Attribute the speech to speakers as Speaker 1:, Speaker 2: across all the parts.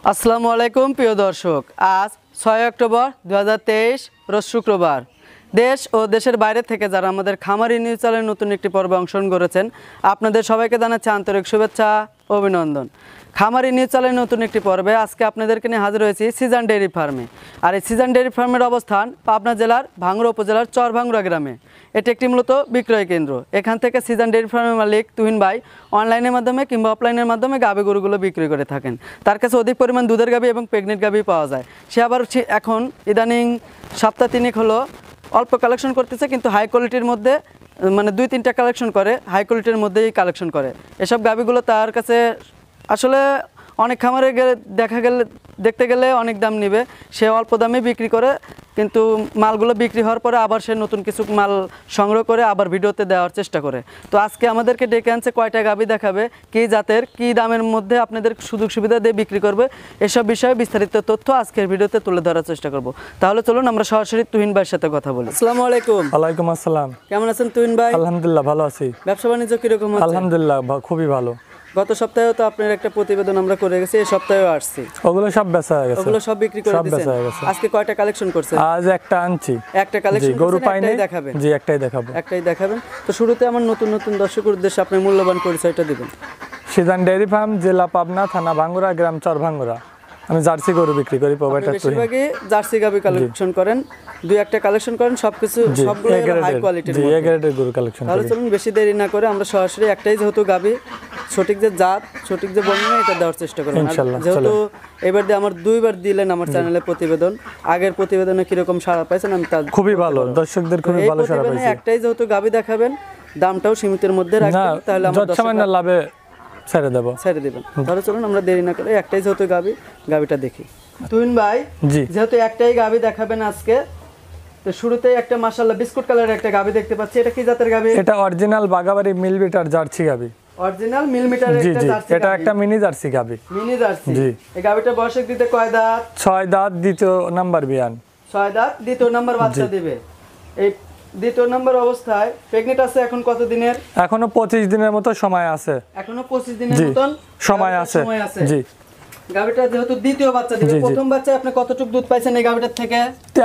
Speaker 1: আসসালামু আলাইকুম প্রিয় দর্শক, আজ 6 অক্টোবর 2023 রোজ শুক্রবার। দেশ ও দেশের বাইরে থেকে যারা আমাদের খামারি নিউজ চ্যানেলের নতুন একটি পর্বে অংশগ্রহণ করেছেন, আপনাদের সবাইকে জানাচ্ছি আন্তরিক শুভেচ্ছা ও অভিনন্দন। খামারি নিউজ চ্যানেলের নতুন একটি পর্বে আজকে আপনাদেরকে নিয়ে হাজির হয়েছি সিজন ডেইরি ফার্মে। আর এই সিজন ডেইরি ফার্মের অবস্থান পাবনা জেলার ভাঙ্গুড়া উপজেলার চরভাঙ্গুড়া গ্রামে। এটি একটি মূলত বিক্রয় কেন্দ্র। এখান থেকে সিজন ডেইরি ফার্মের মালিক তুহিন ভাই অনলাইনের মাধ্যমে কিংবা অফলাইনের মাধ্যমে গাভী গরুগুলো বিক্রি করে থাকেন। তার কাছে অধিক পরিমাণ দুধের গাভী এবং প্রেগনেন্ট গাভী পাওয়া যায়। সে আবার এখন ইদানিং সপ্তাহ তিনেক হলো অল্প কালেকশন করতেছে, কিন্তু হাই কোয়ালিটির মধ্যে মানে 2-3টা কালেকশন করে, হাই কোয়ালিটির মধ্যেই কালেকশন করে। এসব গাভীগুলো তার কাছে আসলে অনেক খামারে গেলে দেখতে গেলে অনেক দাম নেবে, সে অল্প দামে বিক্রি করে, কিন্তু মালগুলো বিক্রি হওয়ার পরে আবার সে নতুন কিছু মাল সংগ্রহ করে আবার ভিডিওতে দেওয়ার চেষ্টা করে। তো আজকে আমাদেরকে ডেকে আনছে, কয়টা গাভী দেখাবে, কী জাতের, কী দামের মধ্যে আপনাদের সুযোগ সুবিধা দিয়ে বিক্রি করবে, এসব বিষয়ে বিস্তারিত তথ্য আজকের ভিডিওতে তুলে ধরার চেষ্টা করব। তাহলে চলুন আমরা সরাসরি তুহিন ভাইয়ের সাথে কথা বলি। আসসালামু আলাইকুম।
Speaker 2: ওয়ালাইকুম আসসালাম।
Speaker 1: কেমন আছেন তুহিন ভাই?
Speaker 2: আলহামদুলিল্লাহ ভালো আছি।
Speaker 1: ব্যবসা বাণিজ্য কিরকম হচ্ছে?
Speaker 2: আলহামদুলিল্লাহ খুবই ভালো।
Speaker 1: গত সপ্তাহেও তো আপনার একটা প্রতিবেদন আমরা করে গেছি, এই সপ্তাহেও আসছি।
Speaker 2: ওগুলো সব বেচা হয়ে গেছে,
Speaker 1: ওগুলো সব বিক্রি করে দিয়েছেন। আজকে কয়টা কালেকশন করছেন?
Speaker 2: আজ একটা আনছি।
Speaker 1: একটা কালেকশন
Speaker 2: গরু পাইনি,
Speaker 1: দেখাবেন?
Speaker 2: জি একটাই দেখাবো।
Speaker 1: একটাই দেখাবেন। তো শুরুতে আমার নতুন নতুন দর্শকের উদ্দেশ্যে আপনি মূল্যবান পরিচয়টা দিবেন।
Speaker 2: সিজন ডেইরি ফার্ম, জেলা পাবনা, থানা ভাঙ্গুড়া, গ্রাম চরভাঙ্গুড়া। আমি জার্সি গরু বিক্রি করি।
Speaker 1: বেশিরভাগই জার্সি গাভী কালেকশন করেন, দুই একটা কালেকশন করেন, সবকিছু সবগুলো হাই কোয়ালিটির মধ্যে।
Speaker 2: এ গ্রেডের গরু কালেকশন করি।
Speaker 1: তাহলে চলুন বেশি দেরি না করে আমরা সরাসরি একটাই যেহেতু গাভী, সঠিক যে জাত, সঠিক যে বর্ণনা, এটা দেওয়ার চেষ্টা করব ইনশাআল্লাহ। যেহেতু এবার দিয়ে আমার দুইবার দিলেন আমার চ্যানেলে প্রতিবেদন, আগের প্রতিবেদনে কিরকম সাড়া পাইছেন? আমি তা
Speaker 2: খুবই ভালো, দর্শকদের খুবই ভালো সাড়া পাইছি।
Speaker 1: একটাই যেহেতু গাভী দেখাবেন, দামটাও সীমিতের মধ্যে রাখবেন, তাহলে আমরা
Speaker 2: সামান্য লাভে ছেড়ে দেবেন।
Speaker 1: তাহলে চলুন আমরা দেরি না করে একটাই যেহেতু গাভীটা দেখি। তুহিন ভাই, যেহেতু একটাই গাভী দেখাবেন আজকে, তো শুরুতেই একটা মাশাআল্লাহ বিস্কুট কালারের একটা গাভী দেখতে পাচ্ছি। এটা কি জাতের গাভী?
Speaker 2: এটা অরিজিনাল বাগাবাড়ি মিলমিটার জার্সি গাভী।
Speaker 1: অরিজিনাল মিলমিটারের একটা জার্সি।
Speaker 2: এটা একটা মিনি জার্সি গাভী।
Speaker 1: Mini jersey. জি। এই গাভীটা বয়স দিতে কয় দাঁত?
Speaker 2: 6 দাঁত, দ্বিতীয় নাম্বার বিয়ান।
Speaker 1: 6 দাঁত, দ্বিতীয় নাম্বার বাচ্চা দিবে। এই দ্বিতীয় নাম্বার অবস্থায় প্রেগন্যান্ট আছে এখন কত দিনের?
Speaker 2: এখনো 25 দিনের মতো সময় আছে।
Speaker 1: এখনো 25 দিনের মতন
Speaker 2: সময় আছে। জি।
Speaker 1: গাভীটা যেহেতু দ্বিতীয় বাচ্চা দিবে, প্রথম বাচ্চায় আপনি কতটুকু দুধ পাইছেন এই গাভীটার থেকে?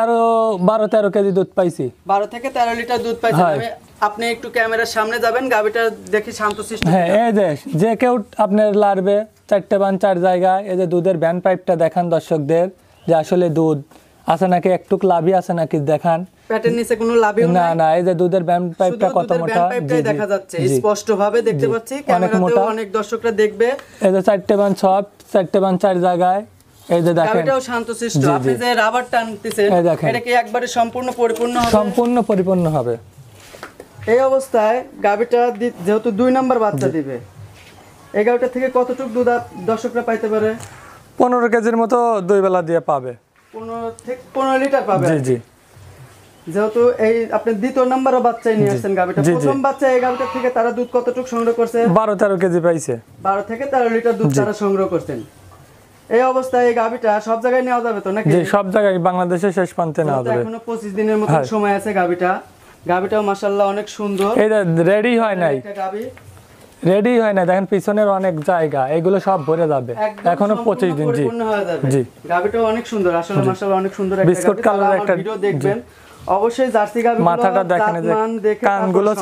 Speaker 2: 12-13 কেজি দুধ পাইছি।
Speaker 1: 12 থেকে 13 লিটার দুধ পাইছেন। আপনি একটু ক্যামেরার সামনে যাবেন, গাভীটা দেখি শান্তশিষ্ট।
Speaker 2: হ্যাঁ, এই যে কেউ আপনার লারবে 4টে বান 4 জায়গায়, এই যে দুধের ভ্যান পাইপটা দেখান দর্শকদের, যে আসলে দুধ আছে নাকি, একটু লাভই আছে নাকি দেখান।
Speaker 1: প্যাটের নিচে কোনো লাভই
Speaker 2: না না, এই যে দুধের ভ্যান পাইপটা কত মোটা,
Speaker 1: জি দেখা যাচ্ছে, স্পষ্ট ভাবে দেখতে পাচ্ছি। ক্যামেরাতেও অনেক দর্শকরা দেখবে।
Speaker 2: এই যে 4টে বান সব 4টে বান 4 জায়গায়, এই যে দেখেন।
Speaker 1: গাভীটাও শান্তশিষ্ট। আপনি যে রাবার টানতেছেন, এটা কি একবারে সম্পূর্ণ পরিপূর্ণ হবে?
Speaker 2: সম্পূর্ণ পরিপূর্ণ হবে।
Speaker 1: এই অবস্থায় গাভীটা যেহেতু 2 নাম্বার বাচ্চা দিবে, এই গাভীটা থেকে কতটুকু দুধ দর্শকরা পাইতে পারে?
Speaker 2: 15 কেজির মতো দুই বেলা দিয়ে পাবে।
Speaker 1: 15 লিটার পাবে।
Speaker 2: জি জি।
Speaker 1: যেহেতু এই আপনি দ্বিতীয় নাম্বার বাচ্চাই নিয়ে আসছেন গাভীটা, প্রথম বাচ্চা এই গাভীটা থেকে তারা দুধ কতটুকু সংগ্রহ করছে?
Speaker 2: 12-13 কেজি পাইছে।
Speaker 1: 12 থেকে 13 লিটার দুধ তারা সংগ্রহ করছেন। এই অবস্থায় এই গাভীটা সব জায়গায় নেওয়া যাবে তো নাকি?
Speaker 2: জি, সব জায়গায় বাংলাদেশের শেষ প্রান্তে নেওয়া যাবে।
Speaker 1: এখনো 25 দিনের মতো সময় আছে। গাভীটাও মাশাআল্লাহ অনেক সুন্দর।
Speaker 2: এই রেডি হয় নাই, রেডি হয় না, দেখেন পিছনের অনেক জায়গা, এগুলো সব ভরে যাবে, এখনো 25 দিন। জি
Speaker 1: জি। গাভীটাও অনেক সুন্দর, আসলে মাশাআল্লাহ অনেক সুন্দর একটা
Speaker 2: বিস্কুট কালার একটা
Speaker 1: ভিডিও দেখবেন অবশ্যই। জার্সি গাভী
Speaker 2: মাথাটা দেখেন, কানগুলো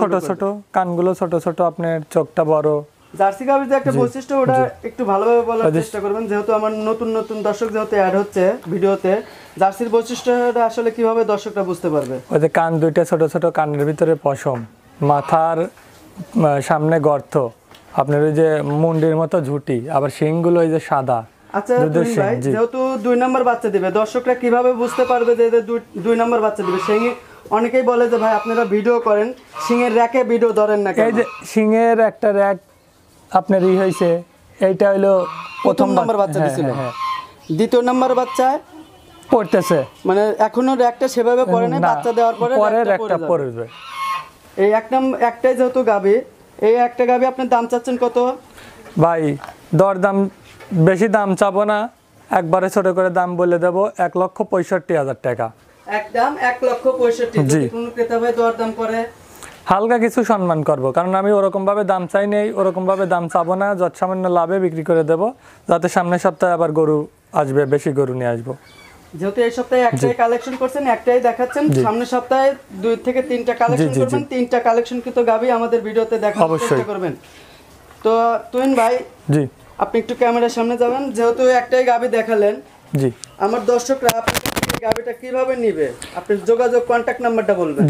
Speaker 2: ছোট ছোট, আপনার চোখটা বড়।
Speaker 1: জার্সি গাভীর যে একটা বৈশিষ্ট্য, ওটা একটু ভালোভাবে বলার চেষ্টা করবেন, যেহেতু আমার নতুন নতুন দর্শক যেহেতু অ্যাড হচ্ছে ভিডিওতে। জার্সির বৈশিষ্ট্যটা আসলে কিভাবে দর্শকরা বুঝতে পারবে?
Speaker 2: ওই যে কান দুইটা ছোট ছোট, কানের ভিতরে পশম, মাথার সামনে গর্ত, আপনার ওই যে মুন্ডির মতো ঝুঁটি, আবার শিংগুলো ওই যে সাদা।
Speaker 1: আচ্ছা ভাই, যেহেতু 2 নাম্বার বাচ্চা দিবে, দর্শকরা কিভাবে বুঝতে পারবে যে 2 নাম্বার বাচ্চা দিবে? শিঙে অনেকেই বলে যে ভাই আপনারা ভিডিও করেন, শিঙের র্যাকে ভিডিও ধরেন না কেন?
Speaker 2: এই যে শিঙের একটা র্যাক আপনার হইছে, এইটা হলো
Speaker 1: প্রথম নাম্বার বাচ্চা দিছিল। দ্বিতীয় নাম্বার বাচ্চা
Speaker 2: পড়তেছে,
Speaker 1: মানে এখনো র্যাকটা সেভাবে পড়ে না, বাচ্চা দেওয়ার পরে
Speaker 2: র্যাকটা পড়বে।
Speaker 1: এই একটাই যেহেতু গাভী, এই একটা গাভী আপনার দাম চাচ্ছেন কত?
Speaker 2: ভাই দরদাম বেশি দাম চাবো না, একবারে ছোট করে দাম বলে দেবো, 1,65,000 টাকা।
Speaker 1: একদম 1,65,000। যদি কোনো ক্রেতা ভাই দরদাম করে,
Speaker 2: হালকা কিছু সম্মান করব, কারণ আমি ওরকম ভাবে দাম চাই নেই, ওরকম ভাবে দাম চাবো না, যত সামান্য লাভে বিক্রি করে দেব, যাতে সামনের সপ্তাহে আবার গরু আসবে, বেশি গরু নিয়ে আসবো।
Speaker 1: যেহেতু এই সপ্তাহে একটাই কালেকশন করছেন, একটাই দেখাচ্ছেন, সামনের সপ্তাহে 2 থেকে 3টা কালেকশন করবেন, 3টা কালেকশন কিন্তু গাবি আমাদের ভিডিওতে দেখানোর চেষ্টা করবেন। তো তুহিন ভাই,
Speaker 2: জি
Speaker 1: আপনি একটু ক্যামেরার সামনে যাবেন। যেহেতু একটাই গাবি দেখালেন,
Speaker 2: জি,
Speaker 1: আমার দর্শকরা আপনার কাছ থেকে গাবিটা কিভাবে নেবে, আপনি যোগাযোগ কন্টাক্ট নাম্বারটা বলবেন।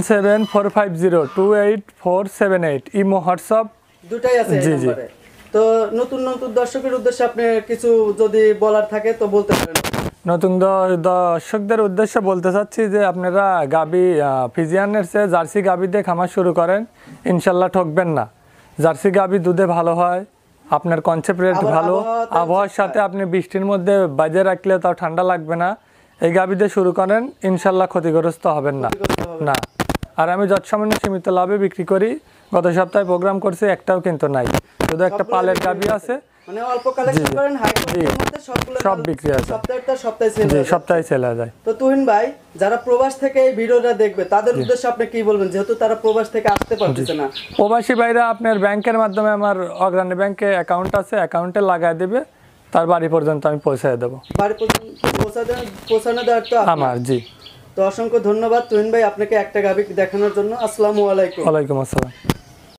Speaker 2: 074502848 ইমো হোয়াটসঅ্যাপ
Speaker 1: দুটাই আছে এই নম্বরে। তো নতুন নতুন দর্শকের উদ্দেশ্যে আপনি কিছু যদি বলার থাকে তো বলতে পারেন।
Speaker 2: নতুন দর্শকদের উদ্দেশ্যে বলতে চাচ্ছি যে আপনারা গাবি ফিজিয়ানের চেয়ে জার্সি গাবি দিয়ে খামার শুরু করেন, ইনশাল্লাহ ঠকবেন না। জার্সি গাবি দুধে ভালো হয়, আপনার কনসেপ্ট রেট ভালো, আবহাওয়ার সাথে আপনি বৃষ্টির মধ্যে বাজে রাখলে তাও ঠান্ডা লাগবে না। এই গাবি দিয়ে শুরু করেন, ইনশাল্লাহ ক্ষতিগ্রস্ত হবেন না। না, আর আমি যৎসামান্য সীমিত লাভে বিক্রি করি। গত সপ্তাহে প্রোগ্রাম করছি, একটাও কিন্তু নাই, শুধু একটা পালের গাবি আছে।
Speaker 1: মানে অল্প কালেকশন করেন, হাই কোয়ালিটির মধ্যে সবগুলো
Speaker 2: সব বিক্রি আছে,
Speaker 1: সপ্তাহে সেল হয়।
Speaker 2: সপ্তাহে চলে যায়।
Speaker 1: তো তুহিন ভাই, যারা প্রবাস থেকে এই ভিডিওটা দেখবে তাদের উদ্দেশ্যে আপনি কি বলবেন, যেহেতু তারা প্রবাস থেকে আসতে পারতেছে না?
Speaker 2: প্রবাসী ভাইরা আপনার ব্যাংকের মাধ্যমে, আমার অগ্রণী ব্যাংকে অ্যাকাউন্ট আছে, অ্যাকাউন্টে লাগায় দিবে, তার বাড়ি পর্যন্ত আমি পৌঁছায় দেবো।
Speaker 1: বাড়ি পর্যন্ত পৌঁছানো দেওয়ার তো
Speaker 2: আমার। জি,
Speaker 1: তো অসংখ্য ধন্যবাদ তুহিন ভাই আপনাকে একটা গাবি দেখানোর জন্য। আসসালামু আলাইকুম।
Speaker 2: ওয়ালাইকুম আসসালাম।